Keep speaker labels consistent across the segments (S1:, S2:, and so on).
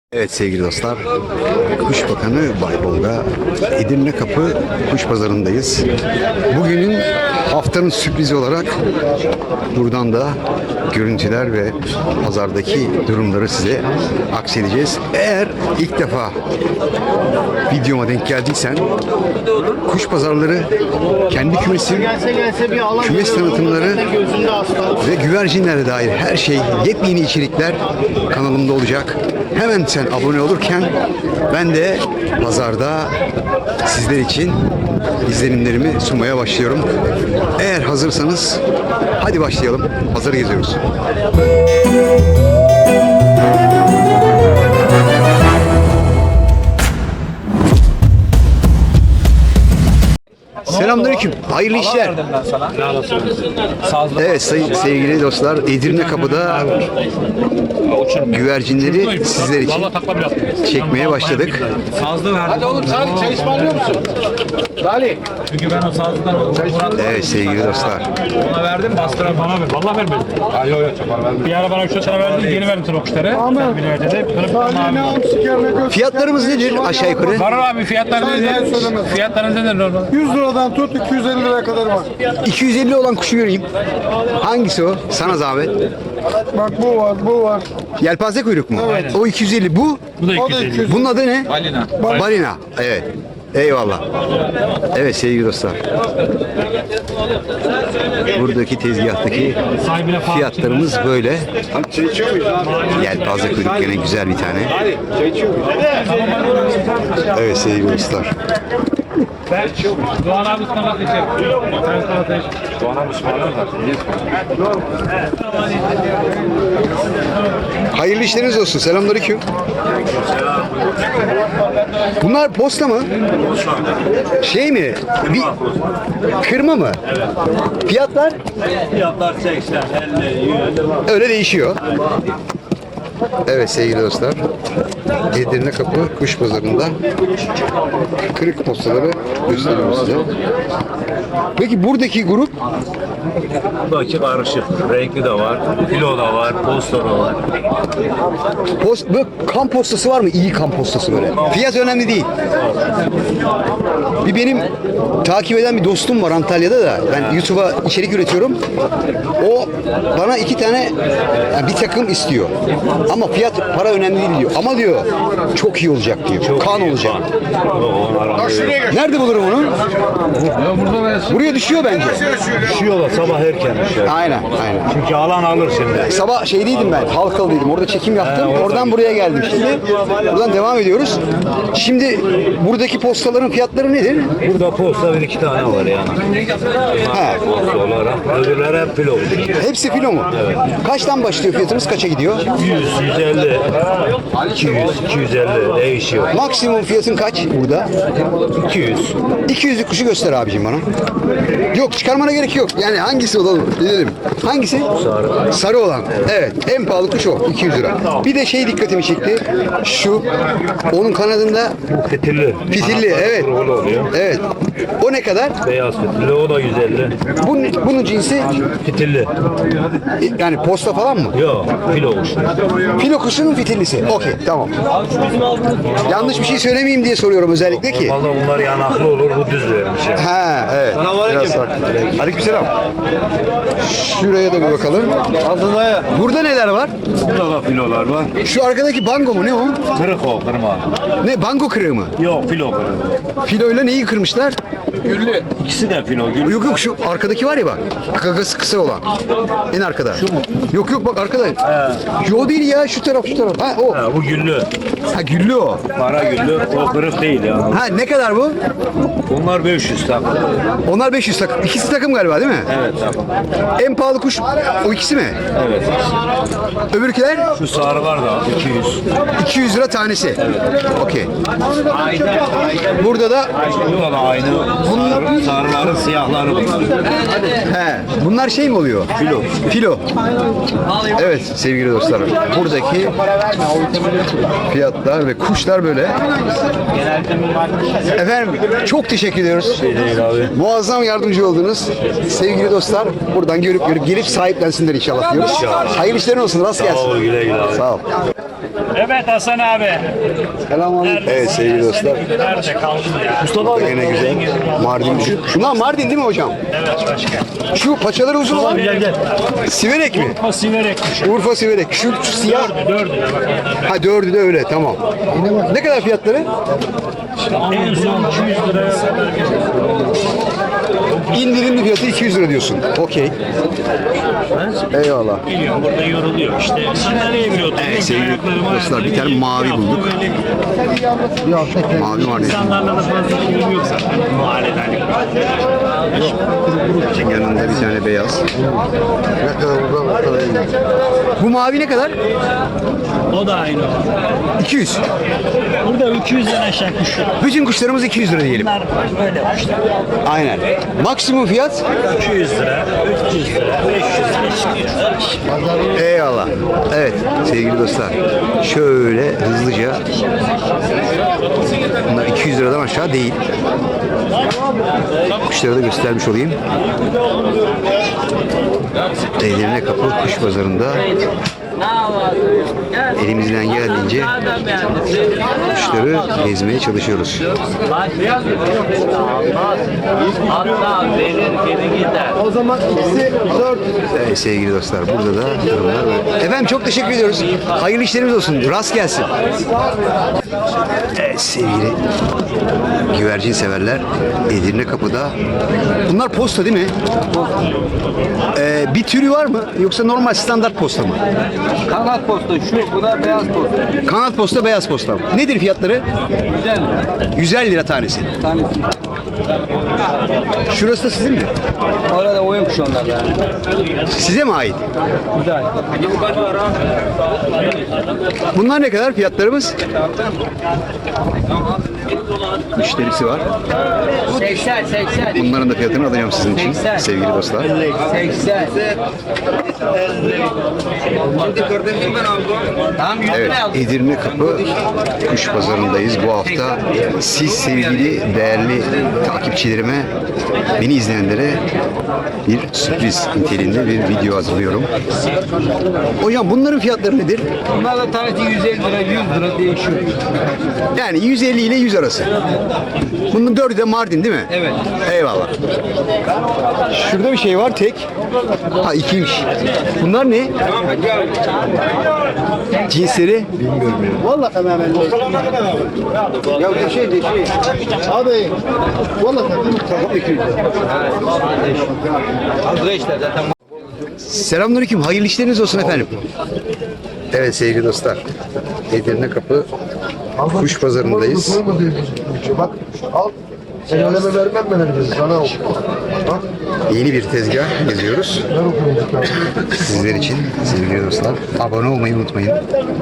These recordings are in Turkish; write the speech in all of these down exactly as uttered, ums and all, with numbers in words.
S1: Evet sevgili dostlar, Kuş Bakanı Baybol'da Edirne Kapı Kuş Pazarı'ndayız. Bugünün haftanın sürprizi olarak buradan da görüntüler ve pazardaki durumları size aksedeceğiz. Eğer ilk defa videoma denk geldiysen, kuş pazarları, kendi kümesim, kümes tanıtımları ve güvercinlere dair her şey, yepyeni içerikler kanalımda olacak. Hemen sen abone olurken ben de pazarda sizler için izlenimlerimi sunmaya başlıyorum. Eğer hazırsanız hadi başlayalım. Pazarı geziyoruz. Selamünaleyküm. Hayırlı işler. Evet sayın sevgili dostlar, Edirne Kapı'da güvercinleri sizler için çekmeye başladık.
S2: Sazlı verdim.
S3: Hadi oğlum Salih çay ısmarlıyor musun? Salih.
S2: Çünkü ben o sazlıdan Murat
S1: Evet sevgili dostlar.
S2: ona verdim, bastıra bana ver. Vallahi vermedim.
S3: Ay yok yok çok verdim.
S2: Bir ara bana üç lira verdim, geri verdim sana o kuşları. Sen bir verdi. Kırıp
S1: Fiyatlarımız nedir aşağı yukarı?
S2: Var abi fiyatlar nedir? Fiyatlarınız nedir normal?
S4: yüz liradan tut iki yüz elli liraya kadar var.
S1: iki yüz elli olan kuşu göreyim. Hangisi o? Sana zahmet.
S4: Bak bu var, bu var.
S1: Yelpaze kuyruk mu?
S4: Evet.
S1: O iki yüz elli. Bu?
S2: Bu da
S4: O da
S2: iki yüz
S4: iki
S2: elli.
S4: yüz.
S1: Bunun adı ne?
S2: Balina.
S1: Balina. Evet. Eyvallah. Evet sevgili dostlar. Buradaki tezgahtaki
S2: Sahibine falan
S1: fiyatlarımız böyle.
S3: Çay içiyor muyuz abi?
S1: Yelpaze kuyruk gene güzel bir tane.
S3: Salih çay içiyor muyuz?
S1: Evet sevgili dostlar.
S2: Doğan abi ısmarlak içer. Sen ısmarlak içer.
S3: Doğan abi ısmarlar zaten. Niye
S1: Hayırlı işleriniz olsun. Selamünaleyküm. Bunlar posta mı? Şey mi? Bir kırma mı? Fiyatlar?
S5: Fiyatlar seksen, elli, yüz.
S1: Öyle değişiyor. Evet sevgili dostlar. Edirne Kapı Kuş Pazarı'nda kırık postaları gösteriyorum size. Peki buradaki grup
S5: Buradaki karışık. Renkli de var, filo da var, posta da var.
S1: post, böyle kan postası var mı? İyi kan postası böyle. Fiyat önemli değil. Bir benim takip eden bir dostum var Antalya'da da. Ben YouTube'a içerik üretiyorum. O bana iki tane yani bir takım istiyor. Ama fiyat para önemli değil diyor. Ama diyor çok iyi olacak diyor. Kan olacak. Nerede bulurum onu? Buraya düşüyor bence.
S5: Düşüyorlar sabah erken düşer.
S1: Aynen, aynen.
S5: Çünkü alan alır şimdi.
S1: Sabah şeydeydim ben, Halkalı'daydım. Orada çekim yaptım. Oradan buraya geldim şimdi. Buradan devam ediyoruz. Şimdi buradaki postaların fiyatları nedir?
S5: Burada posta bir iki tane var yani.
S1: He.
S5: Posta olarak. Öbürleri hep filo.
S1: Hepsi filo mu? Kaçtan başlıyor fiyatımız? Kaça gidiyor?
S5: yüz, yüz elli, iki yüz, iki yüz elli değişiyor.
S1: Maksimum fiyatın kaç burada?
S5: iki yüz.
S1: iki yüzlük kuşu göster abicim bana. Yok çıkarmana gerek yok. Yani hangisi olalım? Bilelim. Hangisi?
S5: Sarı.
S1: Sarı olan. Evet. En pahalı kuş o. iki yüz lira. Bir de şey dikkatimi çekti. Şu. Onun kanadında
S5: Fitilli.
S1: fitilli. Evet.
S5: Kurulu oluyor.
S1: Evet. O ne kadar?
S5: Beyaz fitilli o da yüz elli.
S1: Bunun, bunun cinsi
S5: Fitilli.
S1: yani posta falan mı?
S5: Yok filo kuş.
S1: Filo kuşunun fitillisi. Okey tamam. Yanlış bir şey söylemeyeyim diye soruyorum özellikle ki.
S5: Valla bunlar yanaklı olur bu düz vermiş yani.
S1: Ha evet. Biraz farklı. Aleykümselam. Şuraya da bir bakalım. Burada neler var?
S5: Burada da filolar var.
S1: Şu arkadaki bango mu ne o?
S5: Kırık o kırma.
S1: Ne bango kırığı mı?
S5: Yok filo kırık.
S1: Filoyla neyi kırmışlar?
S5: İkisi de filo. Gül.
S1: Yok yok şu arkadaki var ya bak. Gagası kısa olan. En arkada. Şu mu? Yok yok bak arkada. Yo değil ya şu taraf şu taraf. Ha o.
S5: Ha, bu güllü.
S1: Ha güllü o.
S5: Para güllü. O kırık değil ya.
S1: Ha ne kadar bu?
S5: Bunlar beş yüz takım.
S1: Onlar beş yüz takım. İkisi takım galiba değil mi?
S5: Evet takım.
S1: En pahalı kuş o ikisi mi?
S5: Evet.
S1: Öbürküler
S5: Şu sarılar da iki yüz.
S1: iki yüz lira tanesi. Okey. Burada da
S5: Burada da aynı. Sarı, sarıların siyahları bunlar.
S1: he, bunlar şey mi oluyor? Filo. Filo. Evet sevgili dostlar. Buradaki fiyatlar ve kuşlar böyle. Efendim çok teşekkür ediyoruz.
S5: Şey değil abi.
S1: Muazzam yardımcı oldunuz. Sevgili dostlar buradan görüp görüp gelip sahiplensinler inşallah diyoruz. Hayırlı işlerin olsun. Rast
S5: Sağ
S1: gelsin.
S5: ol güle güle abi.
S1: Sağ ol.
S2: Evet Hasan abi.
S1: Selamünaleyküm. Evet sevgili dostlar.
S2: Nerede kaldın ya?
S1: Mustafa abi. Yine güzel. Mardin. Şunlar Mardin değil mi hocam?
S2: Evet başkan.
S1: Şu paçaları uzun olan.
S2: Gel gel.
S1: Siverek mi?
S2: Urfa Siverek'miş.
S1: Urfa Siverek. Şu, şu siyah.
S2: Dördü de bak.
S1: Ha dördü de öyle tamam. Ne kadar fiyatları?
S2: En son iki yüz liraya kadar geliyor.
S1: İndirimli fiyatı iki yüz lira diyorsun. Okey. Eyvallah.
S2: Geliyorum burada yoruluyor işte. Sandalyeye bile oturuyor.
S1: Evet sevgili dostlar bir tane mavi bulduk. Mavi var ne?
S2: İnsanlarla da fazla şeyim yok zaten. Mahalleden.
S1: Yanında bir tane beyaz. Bu mavi ne kadar?
S2: O da aynı.
S1: iki yüz.
S2: Burada iki yüzden aşağı kuş yok.
S1: Bütün kuşlarımız iki yüz lira diyelim.
S2: Bunlar böyle kuşlar.
S1: Aynen. Maksimum fiyat?
S2: iki yüz lira, üç yüz lira, beş yüz lira çıkıyor.
S1: Eyvallah. Evet sevgili dostlar. Şöyle hızlıca. Bunlar iki yüz liradan aşağı değil. Kuşları da göstermiş olayım. Edirne Kapı Kuş Pazarı'nda elimizden geldiğince kuşları gezmeye çalışıyoruz.
S6: Hatta verir geri gider.
S4: O zaman ikisi dört.
S1: Evet sevgili dostlar burada da durumlar böyle. Efendim çok teşekkür ediyoruz. Hayırlı işlerimiz olsun. Rast gelsin. Evet sevgili güvercin severler Edirne Kapı'da. Bunlar posta değil mi? Ee, bir türü var mı? Yoksa normal standart posta mı?
S6: Kanat posta şu, bu da beyaz posta.
S1: Kanat posta, beyaz posta. Nedir fiyatları?
S6: Güzel.
S1: yüz elli lira tanesi.
S6: Tanesi.
S1: Şurası da sizin mi?
S6: Orada oyun kuşu onlar yani.
S1: Size mi ait?
S6: Güzel.
S1: Bunlar ne kadar fiyatlarımız? Müşterisi var.
S6: seksen seksen.
S1: Bunların da fiyatını alacağım sizin için
S6: seksen.
S1: sevgili dostlar.
S6: seksen. Tamam yüz
S1: Evet,
S6: lira aldım.
S1: Edirne Kapı Kuş Pazarı'ndayız. Bu hafta siz sevgili değerli takipçilerime, beni izleyenlere bir sürpriz niteliğinde bir video hazırlıyorum. Hocam bunların fiyatları nedir?
S6: Bunlar da tanesi yüz elli lira, yüz lira değişiyor.
S1: Yani yüz elli ile yüz arası. Bunun dördü de Mardin değil mi?
S6: Evet.
S1: Eyvallah. Şurada bir şey var tek. Ha ikiymiş. Bunlar ne? Cinsleri? Bilmiyorum ya.
S4: Vallahi tamamen.
S1: Ya bir şey de şey.
S4: Abi. Vallahi
S6: Hazır işte zaten.
S1: Selamünaleyküm. Hayırlı işleriniz olsun efendim. Evet sevgili dostlar. Edirne Kapı Kuş Pazarı'ndayız.
S4: Bak al. Sen öneme vermem ben elbise sana oku. Bak.
S1: Yeni bir tezgah geziyoruz.
S4: Ben okuyayım.
S1: Sizler için sevgili dostlar. Abone olmayı unutmayın.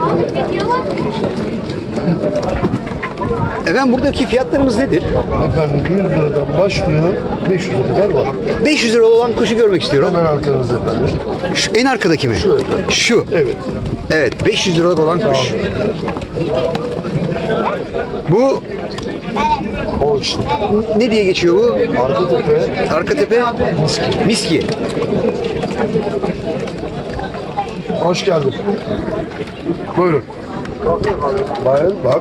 S1: Efendim buradaki fiyatlarımız nedir?
S4: Efendim yüz liradan başlıyor. beş yüz lira kadar var.
S1: beş yüz lira olan kuşu görmek istiyorum.
S4: Hemen arkanızda efendim.
S1: Şu en arkadaki mi?
S4: Şu efendim.
S1: Şu.
S4: Evet.
S1: Evet, beş yüz liralık olan kuş. Bu
S4: O işte.
S1: ne diye geçiyor bu?
S4: Arka tepe.
S1: Arka tepe miski.
S4: Hoş geldin. Buyurun. Bayan bak.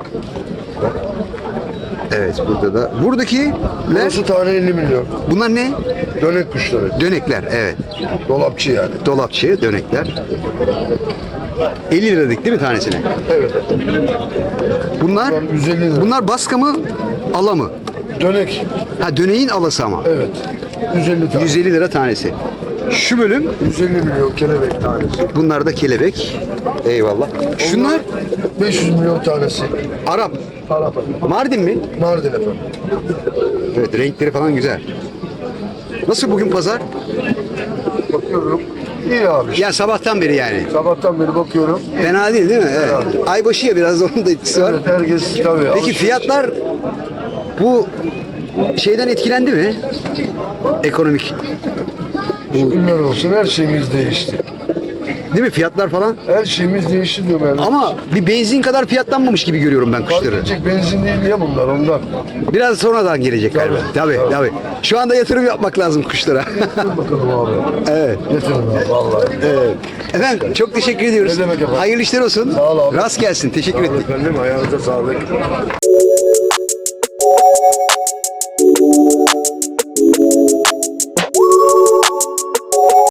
S1: Evet, burada da. Buradakiler
S4: Burası tane elli milyon.
S1: bunlar ne?
S4: Dönek kuşları.
S1: Dönekler, evet.
S4: Dolapçı yani.
S1: Dolapçı, dönekler. elli liralık değil mi tanesine?
S4: Evet.
S1: Bunlar
S4: yüz elli lira.
S1: bunlar baska mı, ala mı?
S4: Dönek.
S1: Ha döneğin alası ama.
S4: Evet. yüz elli tane.
S1: yüz elli lira tanesi. Şu bölüm
S4: yüz elli milyon kelebek tanesi.
S1: bunlar da kelebek. Eyvallah. Şunlar
S4: beş yüz milyon tanesi.
S1: Arap.
S4: Arap efendim.
S1: Mardin mi?
S4: Mardin efendim.
S1: Evet, renkleri falan güzel. Nasıl bugün pazar?
S4: Bakıyorum. İyi abi.
S1: Ya sabahtan beri yani.
S4: Sabahtan beri bakıyorum.
S1: Fena değil değil mi? Evet. Aybaşı ya biraz da onun da etkisi var.
S4: Evet, herkes tabii.
S1: Peki
S4: alışveriş.
S1: fiyatlar bu şeyden etkilendi mi? Ekonomik.
S4: Şükürler olsun her şeyimiz değişti.
S1: Değil mi? Fiyatlar falan.
S4: Her şeyimiz değişti diyorum yani.
S1: Ama bir benzin kadar fiyatlanmamış gibi görüyorum ben
S4: Fark
S1: kuşları.
S4: edecek benzin değil ya bunlar ondan.
S1: Biraz sonradan gelecek galiba. Tabii, tabii. Şu anda yatırım yapmak lazım kuşlara.
S4: Dur bakalım abi.
S1: Evet.
S4: Getirin abi vallahi.
S1: Evet. Efendim çok teşekkür ediyoruz.
S4: Ne demek efendim?
S1: Hayırlı işler olsun.
S4: Sağ ol abi.
S1: Rast gelsin. Teşekkür ederim.
S4: Efendim ayağınıza sağlık.